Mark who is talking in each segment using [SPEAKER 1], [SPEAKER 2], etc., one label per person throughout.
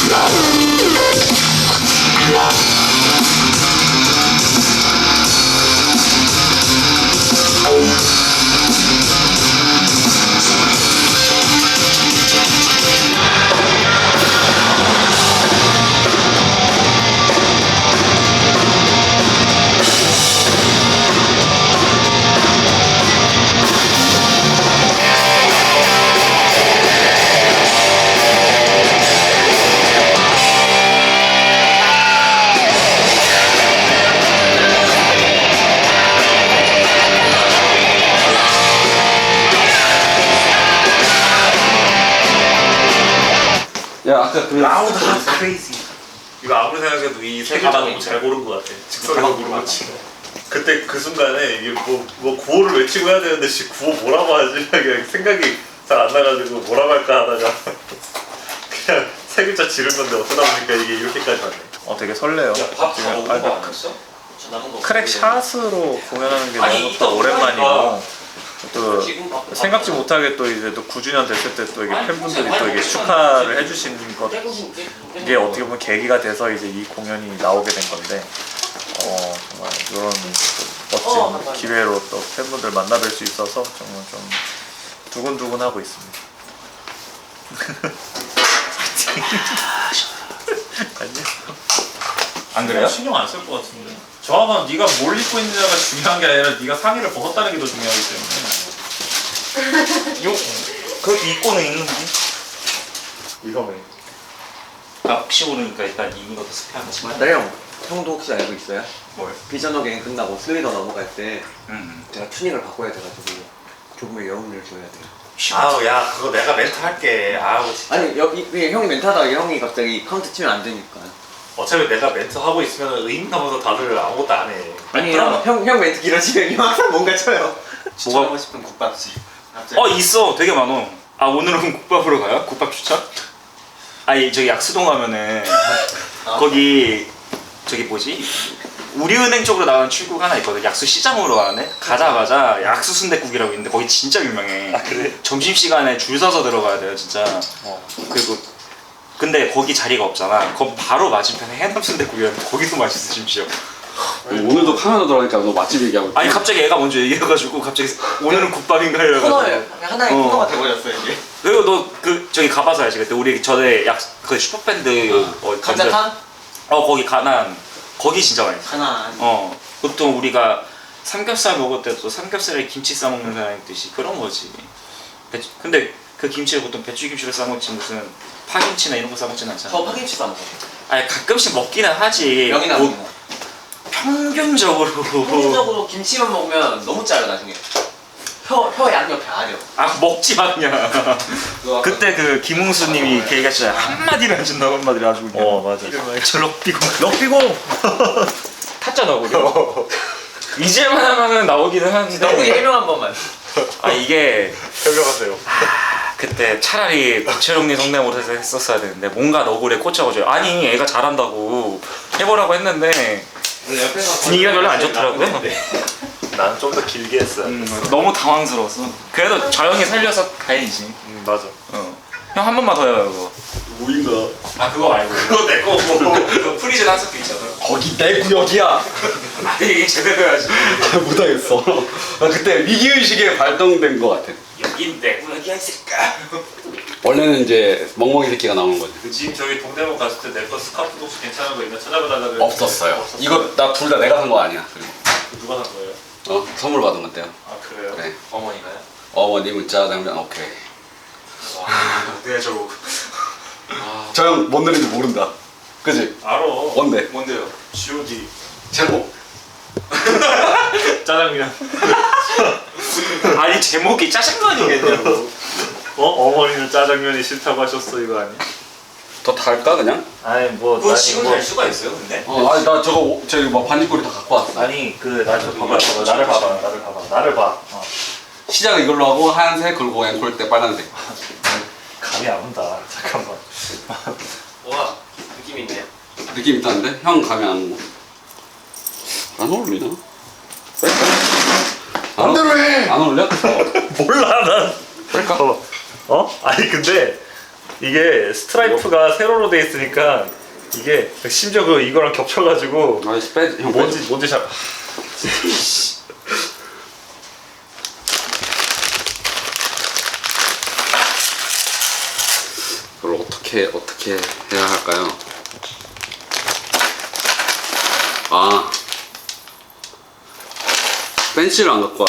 [SPEAKER 1] 야 아까 그
[SPEAKER 2] 라우드 핫 크레이지. 이거 아무리 생각해도 이 세 글자 너무 잘 고른 것 같아. 직선으로 고르지. 그때 그 순간에 이게 뭐 구호를 외치고 해야 되는데 구호 뭐라고 하지? 그냥 생각이 잘 안 나가지고 뭐라고 할까 하다가 그냥 세 글자 지른 건데 어쩌다 보니까 이게 이렇게까지 왔네. 되게 설레요.
[SPEAKER 3] 밥 다 먹은 거 아니었어? 저 남은 거
[SPEAKER 2] 크랙 샷으로 공연하는 게
[SPEAKER 3] 아니,
[SPEAKER 2] 너무
[SPEAKER 3] 이따
[SPEAKER 2] 또 오랜만이고 또
[SPEAKER 3] 지금 밥
[SPEAKER 2] 생각지 못하게 또 이제 또 9주년 됐을 때 또 이게 팬분들이 또 이게 축하를 해주시는 것 이게 어떻게 보면 계기가 돼서 이제 이 공연이 나오게 된 건데 정말 이런 멋진 기회로 또 팬분들 만나뵐 수 있어서 정말 좀 두근두근하고 있습니다. 아니요.
[SPEAKER 1] 안 그래요?
[SPEAKER 2] 신경 안 쓸 것 같은데. 저하고는 네가 뭘 입고 있느냐가 중요한 게 아니라 네가 상의를 벗었다는 게 더 중요하기 때문에.
[SPEAKER 1] 그렇게 입고는 있는지.
[SPEAKER 2] 위험해.
[SPEAKER 3] 아 혹시 모르니까 일단 이긴 것도 스페한 거지.
[SPEAKER 1] 맞다 형. 형도 혹시 알고 있어요?
[SPEAKER 3] 뭘?
[SPEAKER 1] 비전 어게인 끝나고 슬리더 넘어갈 때 제가 튜닝을 바꿔야 돼가지고 조금의 여운을 줘야 돼요.
[SPEAKER 3] 아우 야 그거 내가 멘트 할게. 아우 진짜.
[SPEAKER 1] 아니 여기 형이 멘트하다가 형이 갑자기 카운트 치면 안 되니까.
[SPEAKER 2] 어차피 내가 멘트 하고 있으면 의인하면서 다들 아무것도 안 해.
[SPEAKER 1] 아니요 형 멘트 길어지면 형 항상 뭔가 쳐요.
[SPEAKER 3] 뭐가
[SPEAKER 1] 하고 싶은 국밥집.
[SPEAKER 3] 있어 되게 많어. 아 오늘은 국밥으로 가요? 국밥 추천? 아니 저기 약수동 가면은 거기 저기 뭐지? 우리은행 쪽으로 나가는 출구가 하나 있거든. 약수 시장으로 가네. 가자마자 약수 순댓국이라고 있는데 거기 진짜 유명해.
[SPEAKER 2] 아 그래?
[SPEAKER 3] 점심 시간에 줄 서서 들어가야 돼요 진짜. 그리고 근데 거기 자리가 없잖아. 거기 바로 맞은편에 해남 순댓국이라는데 거기도 맛있어 심지어.
[SPEAKER 4] 오늘도 카나다 들어가니까 너 맛집 얘기하고 있지?
[SPEAKER 3] 아니 갑자기 애가 먼저 얘기해가지고 갑자기 오늘은 국밥인가 이래가지고.
[SPEAKER 1] 코너예요. 하나의
[SPEAKER 3] 어.
[SPEAKER 1] 코너가 돼버렸어요 이게.
[SPEAKER 3] 그리고 너 그 저기 가봐서 알지. 그때 우리 전에 그 슈퍼밴드
[SPEAKER 1] 감자탕?
[SPEAKER 3] 거기 가난 거기 진짜 맛있어.
[SPEAKER 1] 하나.
[SPEAKER 3] 보통 우리가 삼겹살 먹을 때도 삼겹살에 김치 싸 먹는 사람이 있듯이 그런 거지. 근데 그 김치를 보통 배추김치로 싸 먹지 무슨 파김치나 이런 거 싸 먹진 않잖아.
[SPEAKER 1] 저 파김치 싸 먹어.
[SPEAKER 3] 아니 가끔씩 먹기는 하지.
[SPEAKER 1] 명이나
[SPEAKER 3] 뭐,
[SPEAKER 1] 명이나.
[SPEAKER 3] 평균적으로.
[SPEAKER 1] 평균적으로 김치만 먹으면 너무 짜요 나중에. 혀 양옆에 아려.
[SPEAKER 3] 아 먹지 마 그냥. 그때 그 김웅수님이 이렇게 얘기하시잖아요. 한마디를 안 준다고 한마디를 아주 그냥.
[SPEAKER 2] 맞아.
[SPEAKER 3] 저 럭비공.
[SPEAKER 2] 럭비공!
[SPEAKER 3] 탔잖아 우리. 이제만 하면은 나오기는 하는데.
[SPEAKER 1] 너구리 해명 한 번만.
[SPEAKER 3] 아 이게
[SPEAKER 2] 설명하세요.
[SPEAKER 3] 그때 차라리 박철웅님 성대모사에서 했었어야 되는데 뭔가 너구리에 꽂혀가지고 아니 애가 잘한다고 해보라고 했는데 분위기가 별로 안 좋더라고요.
[SPEAKER 2] 나는 좀 더 길게 했어야 돼.
[SPEAKER 3] 너무 당황스러웠어. 그래도 자영이 살려서 다행이지.
[SPEAKER 2] 맞아.
[SPEAKER 3] 형 한 번만 더 해요 그거.
[SPEAKER 4] 뭐인가?
[SPEAKER 3] 아 그거 말고 그거 내 거고 그 프리즌 한석도 있잖아.
[SPEAKER 4] 거기 내 구역이야.
[SPEAKER 3] 아니 이게 제대로 해야지.
[SPEAKER 4] 못하겠어. 나 그때 위기의식에 발동된 것 같아.
[SPEAKER 3] 여긴 내 구역이야 이 새끼야.
[SPEAKER 4] 원래는 이제 멍멍이 새끼가 나오는 거지.
[SPEAKER 2] 그 지금 저기 동대문 갔을 때 내 거 스카프 혹시 괜찮은 거 있나 찾아봐달라 그랬는데
[SPEAKER 4] 없었어요. 이거 나 둘 다 내가 산 거 아니야. 그리고
[SPEAKER 2] 누가 산 거예요?
[SPEAKER 4] 선물 받은 건데요.
[SPEAKER 2] 아 그래요?
[SPEAKER 4] 네.
[SPEAKER 3] 어머니가요?
[SPEAKER 4] 어머니 문자 장면 오케이.
[SPEAKER 3] 네 저거.
[SPEAKER 4] 저 형 뭔 노래인지 모른다. 그지?
[SPEAKER 2] 알아.
[SPEAKER 4] 뭔데?
[SPEAKER 3] 뭔데요?
[SPEAKER 2] G.O.D.
[SPEAKER 4] 제목.
[SPEAKER 2] 짜장면.
[SPEAKER 3] 아니 제목이 짜장면이겠냐고.
[SPEAKER 2] 어머니는 짜장면이 싫다고 하셨어 이거 아니야?
[SPEAKER 4] 더 달까 그냥?
[SPEAKER 2] 아니 뭐
[SPEAKER 3] 그거
[SPEAKER 2] 아니,
[SPEAKER 3] 지금
[SPEAKER 2] 뭐,
[SPEAKER 3] 달 수가 있어요 근데?
[SPEAKER 4] 아니 나 저기 막 반지꼬리 다 갖고 왔어.
[SPEAKER 2] 아니 그나저 봐봐 나를 봐봐 나를 봐.
[SPEAKER 4] 시작은 이걸로 하고 하얀색 그리고 앵콜 때 빨간색.
[SPEAKER 2] 감이 안 온다. 잠깐만.
[SPEAKER 1] 와 느낌 있네요.
[SPEAKER 4] 느낌 있다는데? 형 감이 안 오고. 안 어울리나?
[SPEAKER 2] 맘대로 해.
[SPEAKER 4] 안 어울려?
[SPEAKER 2] 몰라 난.
[SPEAKER 4] 뺄까?
[SPEAKER 2] 아니 근데 이게 스트라이프가 세로로 돼 있으니까 이게 심지어 그 이거랑 겹쳐가지고
[SPEAKER 4] 아이씨 형
[SPEAKER 2] 뭔지 잘
[SPEAKER 4] 그걸 어떻게 해야 할까요? 아 펜치를 안 갖고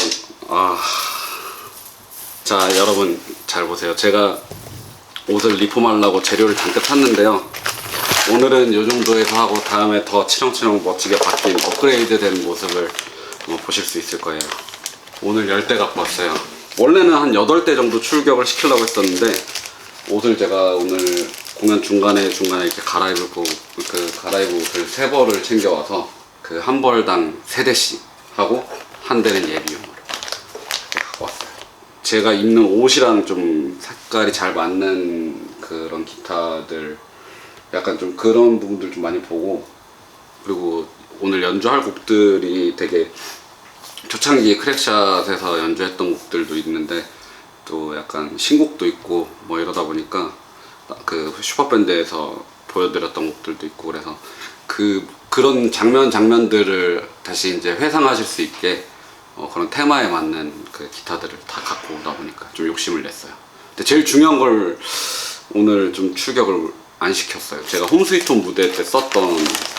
[SPEAKER 4] 자 여러분 잘 보세요. 제가 옷을 리폼하려고 재료를 잔뜩 샀는데요. 오늘은 이 정도에서 하고 다음에 더 치렁치렁 멋지게 바뀐 업그레이드 된 모습을 보실 수 있을 거예요. 오늘 10대 갖고 왔어요. 원래는 한 8대 정도 출격을 시키려고 했었는데 옷을 제가 오늘 공연 중간에 이렇게 갈아입고 갈아입을 옷을 3벌을 챙겨와서 그 한 벌당 3대씩 하고 한 대는 예비용으로 이렇게 갖고 왔어요. 제가 입는 옷이랑 좀 색깔이 잘 맞는 그런 기타들 약간 좀 그런 부분들 좀 많이 보고, 그리고 오늘 연주할 곡들이 되게 초창기 크랙샷에서 연주했던 곡들도 있는데 또 약간 신곡도 있고 뭐 이러다 보니까 그 슈퍼밴드에서 보여드렸던 곡들도 있고 그래서 그런 장면들을 다시 이제 회상하실 수 있게 그런 테마에 맞는 그 기타들을 다 갖고 오다 보니까 좀 욕심을 냈어요. 근데 제일 중요한 걸 오늘 좀 출격을 안 시켰어요. 제가 홈스위트홈 무대 때 썼던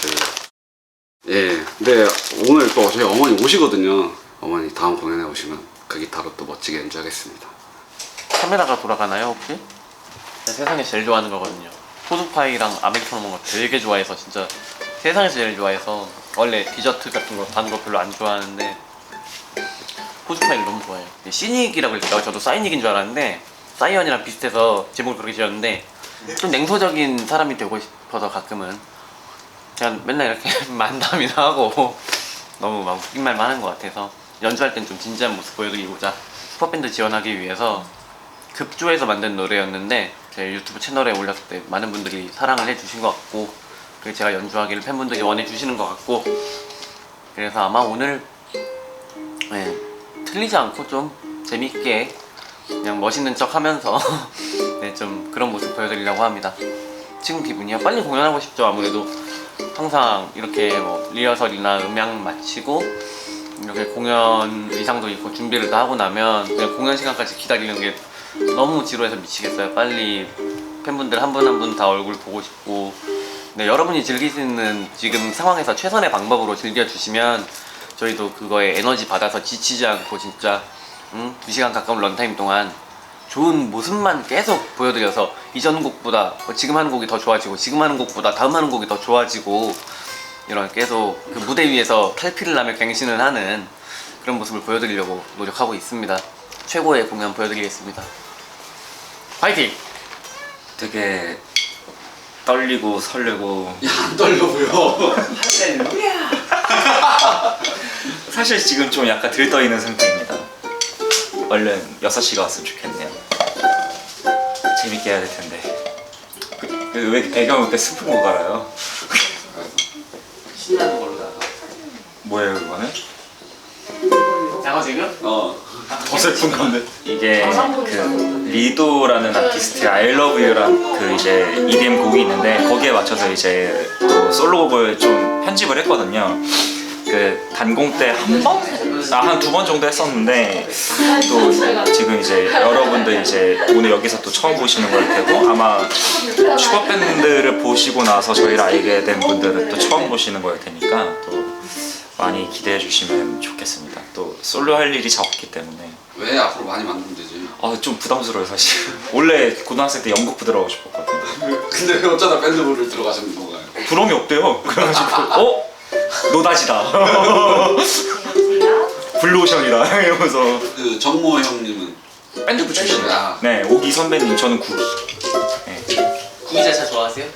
[SPEAKER 4] 근데 오늘 또 저희 어머니 오시거든요. 어머니 다음 공연에 오시면 그 기타로 또 멋지게 연주하겠습니다.
[SPEAKER 5] 카메라가 돌아가나요 혹시? 세상에서 제일 좋아하는 거거든요. 포드파이랑 아메리카노 먹는 거 되게 좋아해서 진짜 세상에서 제일 좋아해서 원래 디저트 같은 거 단 거 별로 안 좋아하는데 포드파이를 너무 좋아해요. 시닉이라고 그랬다고 저도 사이닉인 줄 알았는데 사이언이랑 비슷해서 제목을 그렇게 지었는데 좀 냉소적인 사람이 되고 싶어서 가끔은 그냥 맨날 이렇게 만담이나 하고 너무 막 웃긴 말만 하는 것 같아서 연주할 땐 좀 진지한 모습 보여드리고자 슈퍼밴드 지원하기 위해서 급조해서 만든 노래였는데 제 유튜브 채널에 올렸을 때 많은 분들이 사랑을 해주신 것 같고 그리고 제가 연주하기를 팬분들이 원해주시는 것 같고 그래서 아마 오늘 틀리지 않고 좀 재밌게 그냥 멋있는 척 하면서 좀 그런 모습 보여드리려고 합니다. 지금 기분이야? 빨리 공연하고 싶죠. 아무래도 항상 이렇게 뭐 리허설이나 음향 마치고 이렇게 공연 의상도 입고 준비를 다 하고 나면 그냥 공연 시간까지 기다리는 게 너무 지루해서 미치겠어요. 빨리 팬분들 한 분 한 분 다 얼굴 보고 싶고 여러분이 즐길 수 있는 지금 상황에서 최선의 방법으로 즐겨주시면 저희도 그거에 에너지 받아서 지치지 않고 진짜 2시간 가까운 런타임 동안 좋은 모습만 계속 보여드려서 이전 곡보다 지금 하는 곡이 더 좋아지고 지금 하는 곡보다 다음 하는 곡이 더 좋아지고 이런 계속 그 무대 위에서 탈피를 하며 갱신을 하는 그런 모습을 보여드리려고 노력하고 있습니다. 최고의 공연 보여드리겠습니다. 화이팅!
[SPEAKER 3] 되게 떨리고 설레고
[SPEAKER 4] 안 떨려 보여.
[SPEAKER 3] 사실 지금 좀 약간 들떠있는 상태입니다. 얼른 6시가 왔으면 좋겠네요. 재밌게 해야 될 텐데. 왜 배경 때 슬픈 거 갈아요?
[SPEAKER 5] 신나는 걸로 나가.
[SPEAKER 3] 뭐예요 그거는?
[SPEAKER 5] 장어 지금?
[SPEAKER 3] 더 슬픈 건데. 이게 그 리도라는 아티스트의 I Love You란 그 이제 EDM 곡이 있는데 거기에 맞춰서 이제 또 솔로곡을 좀 편집을 했거든요. 그 단공 때 한 번? 한 2번 정도 했었는데 또 지금 이제 여러분들 이제 오늘 여기서 또 처음 보시는 걸 테고 아마 슈퍼밴드를 보시고 나서 저희를 알게 된 분들은 또 처음 보시는 걸 테니까 또 많이 기대해 주시면 좋겠습니다. 또 솔로 할 일이 잘 없기 때문에
[SPEAKER 4] 왜 앞으로 많이 만들면 되지?
[SPEAKER 3] 좀 부담스러워요 사실. 원래 고등학생 때 연극부 들어가고 싶었거든요.
[SPEAKER 4] 근데 왜 어쩌다 밴드부를 들어가시는 건가요?
[SPEAKER 3] 부럼이 없대요. 그래가지고 노다지다. 블루오션이다 이러면서.
[SPEAKER 4] 그 정모 형님은
[SPEAKER 3] 밴드부 출신이에요.
[SPEAKER 4] 아.
[SPEAKER 3] 네, 오기 선배님 저는 구기. 네.
[SPEAKER 5] 구기자차 좋아하세요?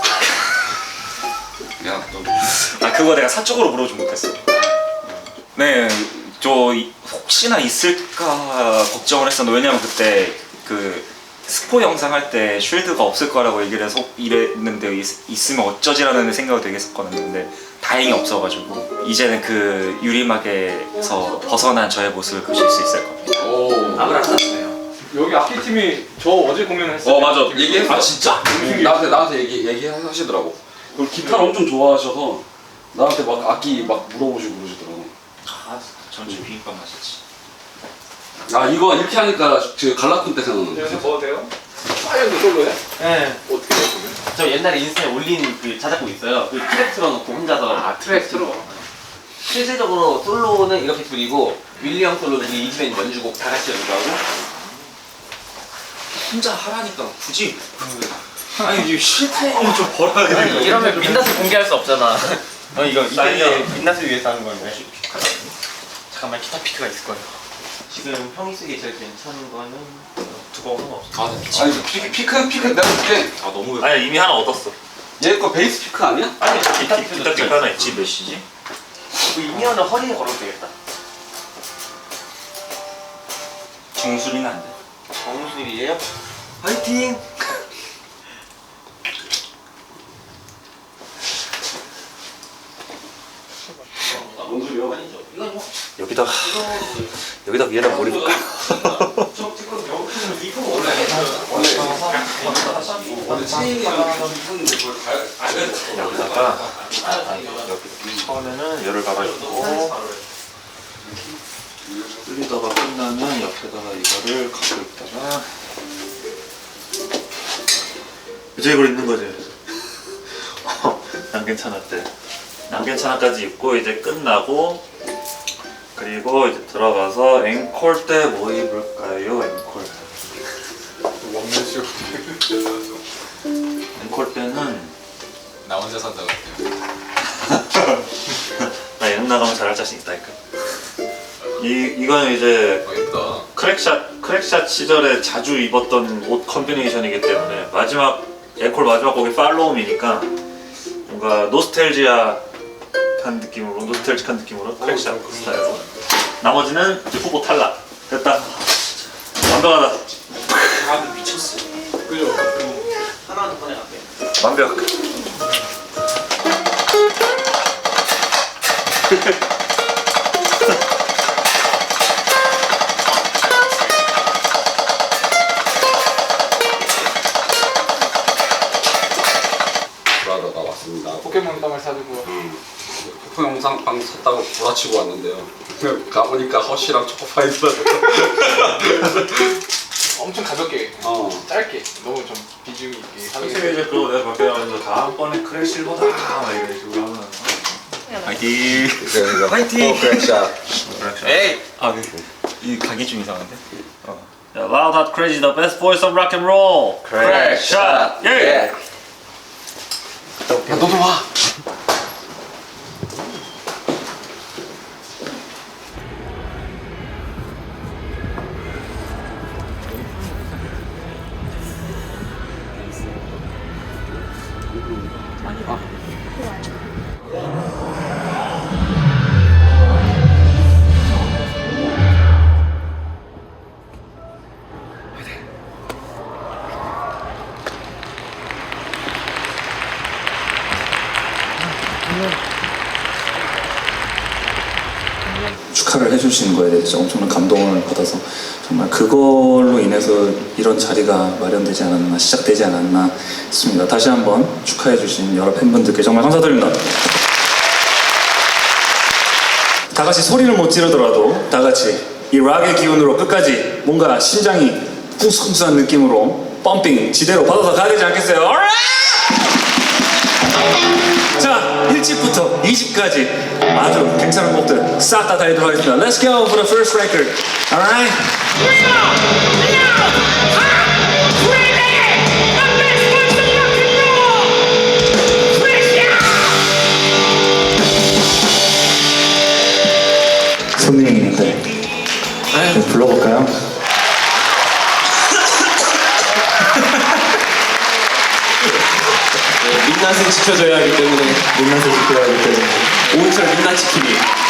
[SPEAKER 4] 야, 또
[SPEAKER 3] 그거 내가 사적으로 물어보지 못했어. 네, 저 혹시나 있을까 걱정을 했었는데 왜냐면 그때 그 스포 영상 할 때 쉴드가 없을 거라고 얘기를 해서 이랬는데 있으면 어쩌지라는 생각을 되게 했었거든요. 근데 다행히 없어가지고 이제는 그 유리막에서 벗어난 저의 모습을 보실 수 있을 겁니다.
[SPEAKER 4] 오.
[SPEAKER 5] 아무나 안 났어요.
[SPEAKER 6] 여기 악기팀이 저 어제 공연했어요.
[SPEAKER 4] 맞아. 얘기했어.
[SPEAKER 6] 아
[SPEAKER 4] 진짜? 나한테 얘기하시더라고. 그리고 기타를 엄청 좋아하셔서 나한테 막 악기 막 물어보시고 그러시더라고.
[SPEAKER 3] 전주 비빔밥 맛있지.
[SPEAKER 4] 아 이거 이렇게 하니까 그 갈라쿤 때 생각나는
[SPEAKER 6] 여기서
[SPEAKER 4] 거지.
[SPEAKER 6] 먹어도 돼요? 파이어도 솔로해?
[SPEAKER 5] 네.
[SPEAKER 6] 어떻게 해 그러면?
[SPEAKER 5] 저 옛날에 인스타에 올린 그 자작곡 있어요. 그 트랙 틀어놓고 혼자서.
[SPEAKER 6] 트랙 틀어.
[SPEAKER 5] 실질적으로 솔로는 이렇게 둘이고 윌리엄 솔로는 이 이즈맨 연주곡 다 같이 연주하고.
[SPEAKER 3] 혼자 하라니까 굳이. 아니 이제 쉴 타임을 좀 벌어야 되는 거야.
[SPEAKER 5] 이러면 민낯을 공개할 수 없잖아. 이거
[SPEAKER 2] 사인이야.
[SPEAKER 5] 이때 민낯을 위해서 하는 건데. 잠깐만 기타 피크가 있을 거예요. 지금 형이 쓰기에 제일 괜찮은 거는
[SPEAKER 2] 두꺼운 건 없어.
[SPEAKER 4] 아니 피크 내가 볼게.
[SPEAKER 3] 아 너무.
[SPEAKER 2] 아니 이미 하나 얻었어.
[SPEAKER 4] 얘 거 베이스 피크 아니야?
[SPEAKER 2] 아니 기타 피크 하나 있지. 몇 시지?
[SPEAKER 5] 그 이미어는 허리에 걸어도 되겠다.
[SPEAKER 3] 정수리는 안 돼.
[SPEAKER 5] 정수일이에요? 화이팅!
[SPEAKER 4] 뭔 소리야?
[SPEAKER 5] 이건 뭐
[SPEAKER 2] 여기다 위에다 머리 볼까?
[SPEAKER 4] 원래 체인이랑 하는데 그걸
[SPEAKER 2] 여기다가 여기 처음에는 열을 가라앉고 끓이다가 끝나면 옆에다가 이거를 갖고 있다가 이제 이걸 입는 거지. 난 괜찮았대. 난 괜찮아까지 입고 이제 끝나고 그리고 이제 들어가서 앵콜 때 뭐 입을까요? 앵콜.
[SPEAKER 6] 먹는 식.
[SPEAKER 2] 앵콜 때는
[SPEAKER 6] 나 혼자 산다 같아요.
[SPEAKER 2] 나 예능 나가면 잘할 자신 있다니까. 이거는 이제
[SPEAKER 6] 예쁘다.
[SPEAKER 2] 크랙샷 시절에 자주 입었던 옷 컨비네이션이기 때문에 앵콜 마지막 곡이 팔로움이니까 뭔가 노스텔지한 느낌으로 크랙샷 스타일로. 나머지는 이제 후보 탈락. 됐다. 완벽하다.
[SPEAKER 3] 아 미쳤어.
[SPEAKER 6] 그죠?
[SPEAKER 5] 하나는 꺼내갈게.
[SPEAKER 2] 완벽.
[SPEAKER 4] 브라더가 왔습니다.
[SPEAKER 6] 포켓몬 빵을 사주고.
[SPEAKER 4] 쿠폰 영상빵 샀다고 구라치고 왔는데요. 가보니까 허쉬랑 초코파이더라고.
[SPEAKER 6] 엄청 가볍게, 짧게, 너무 좀 비중 있게 하는
[SPEAKER 2] 솔직히
[SPEAKER 6] 게.
[SPEAKER 2] 이제 그거 내가 밖에 나가서 다음번에 크랙 실버다 막 이런 식으로 하면
[SPEAKER 3] 화이팅.
[SPEAKER 4] 화이팅! 크랙샷.
[SPEAKER 5] 에이!
[SPEAKER 3] 이 가기 좀 이상한데.
[SPEAKER 2] Loud Hot Crazy, the best voice of rock and roll. 크랙샷. 예.
[SPEAKER 4] 야 너도 와!
[SPEAKER 7] 축하를 해주시는 거에 대해서 엄청난 감동을 받아서 정말 그걸로 인해서 이런 자리가 마련되지 않았나, 시작되지 않았나 싶습니다. 다시 한번 축하해주신 여러 팬분들께 정말 감사드립니다. 다 같이 소리를 못 지르더라도 다 같이 이 락의 기운으로 끝까지 뭔가 심장이 쿵숭쿵숭한 느낌으로 펌핑 지대로 받아서 가야 되지 않겠어요? Alright! 자, 1집부터 2집까지 아주 괜찮은 곡들 싹 다 달리도록 하겠습니다. Let's go for the first record. Alright? 손님이 있는데 불러볼까요?
[SPEAKER 5] 민낯은 지켜줘야 하기 때문에
[SPEAKER 7] 민낯을 지켜야 하기 때문에
[SPEAKER 5] 오은철 민낯 지키기.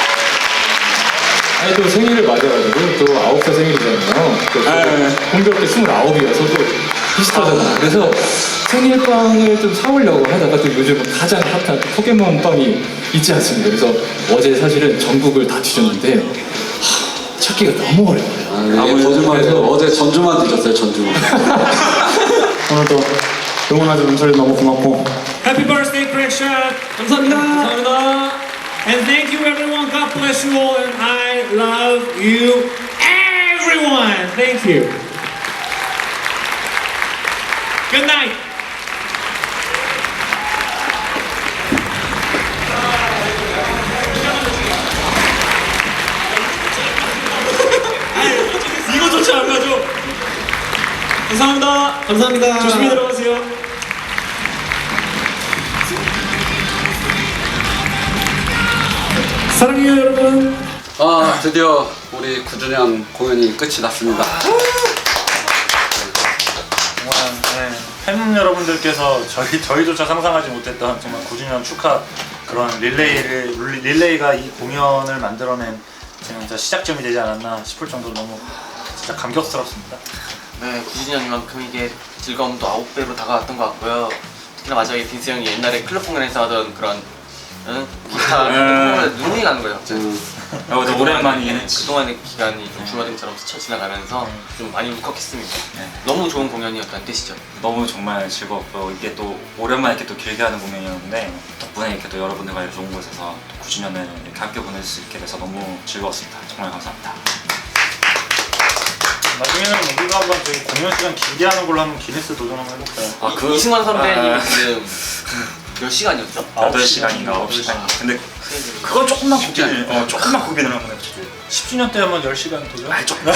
[SPEAKER 6] 아니 또 생일을 맞아가지고 또 9살 생일이잖아요. 공교롭게 29이어서 또 비슷하잖아. 그래서 생일빵을 좀 사오려고 하다가 또 요즘 가장 핫한 포켓몬 빵이 있지 않습니까? 그래서 어제 사실은 전국을 다 뒤졌는데 찾기가 너무 어려워요.
[SPEAKER 4] 이게 거짓말이에요. 어제 전주만 드셨어요, 전주만.
[SPEAKER 6] 오늘도 응원하는 분들 너무 고맙고
[SPEAKER 8] Happy birthday, Craig Shot. 감사합니다. 감사합니다. And thank you, everyone. God bless you all, and I love you, everyone. Thank you. Good night. 이거조차 안 가죠. 감사합니다. 감사합니다. 조심히 들어가세요. 사랑해요, 여러분.
[SPEAKER 4] 드디어 우리 9주년 공연이 끝이 났습니다.
[SPEAKER 2] 정말 팬 여러분들께서 저희조차 상상하지 못했던 정말 9주년 축하 그런 릴레이가 이 공연을 만들어낸 진짜 시작점이 되지 않았나 싶을 정도로 너무 진짜 감격스럽습니다.
[SPEAKER 5] 네, 9주년만큼 이게 즐거움도 9배로 다가왔던 것 같고요. 특히나 마지막에 빈스 형이 옛날에 클럽 공연에서 하던 그런 기타 눈물이 나는 거예요.
[SPEAKER 3] 근데 오랜만이긴 했지.
[SPEAKER 5] 그동안의 기간이 좀 줄어든처럼 스쳐 지나가면서 좀 많이 울컥했습니다. 너무 좋은 공연이었다는 뜻이죠.
[SPEAKER 3] 너무 정말 즐거웠고 이게 또 오랜만에 이렇게 또 길게 하는 공연이었는데 덕분에 이렇게 또 여러분들과 이렇게 좋은 곳에서 또 9주년을 이렇게 함께 보낼 수 있게 돼서 너무 즐거웠습니다. 정말 감사합니다.
[SPEAKER 2] 나중에는 우리가 한번 저희 공연 시간 길게 하는 걸로 한번 기네스 도전 한번 해볼까요?
[SPEAKER 5] 이승환 선배님 지금 몇 시간이었죠?
[SPEAKER 3] 8시간인가 9시간인가. 근데 그건 조금만 고민을 조금만 고민을 한번 해보죠.
[SPEAKER 2] 10주년 때 한번 10시간 도전?
[SPEAKER 3] 아니 조금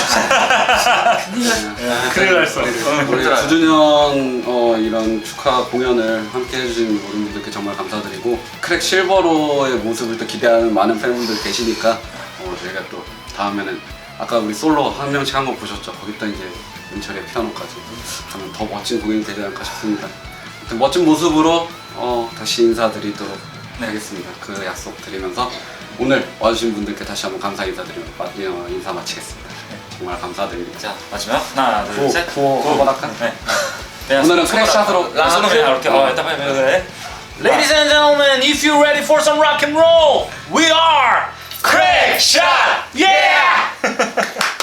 [SPEAKER 2] 큰일 날 소리.
[SPEAKER 4] 우리 9주년 이런 축하 공연을 함께 해주신 모든 분들께 정말 감사드리고 크랙 실버로의 모습을 또 기대하는 많은 팬분들 계시니까 저희가 또 다음에는 아까 우리 솔로 한 명씩 한 거 보셨죠? 거기다 이제 은철의 피아노까지 하면 더 멋진 공연이 되지 않을까 싶습니다. 아무튼 멋진 모습으로 다시 인사드리도록 하겠습니다. 그 약속 드리면서 오늘 와주신 분들께 다시 한번 감사 인사드리며 인사 마치겠습니다. 정말 감사드립니다.
[SPEAKER 3] 자 마지막 하나 둘셋
[SPEAKER 4] 구호 할까?
[SPEAKER 3] 네.
[SPEAKER 4] 오늘은 크랙샷으로
[SPEAKER 3] 손을 그냥 이렇게 일단 빨리
[SPEAKER 2] Ladies and gentlemen, if you're ready for some rock and roll, we are Craig Shot! Yeah!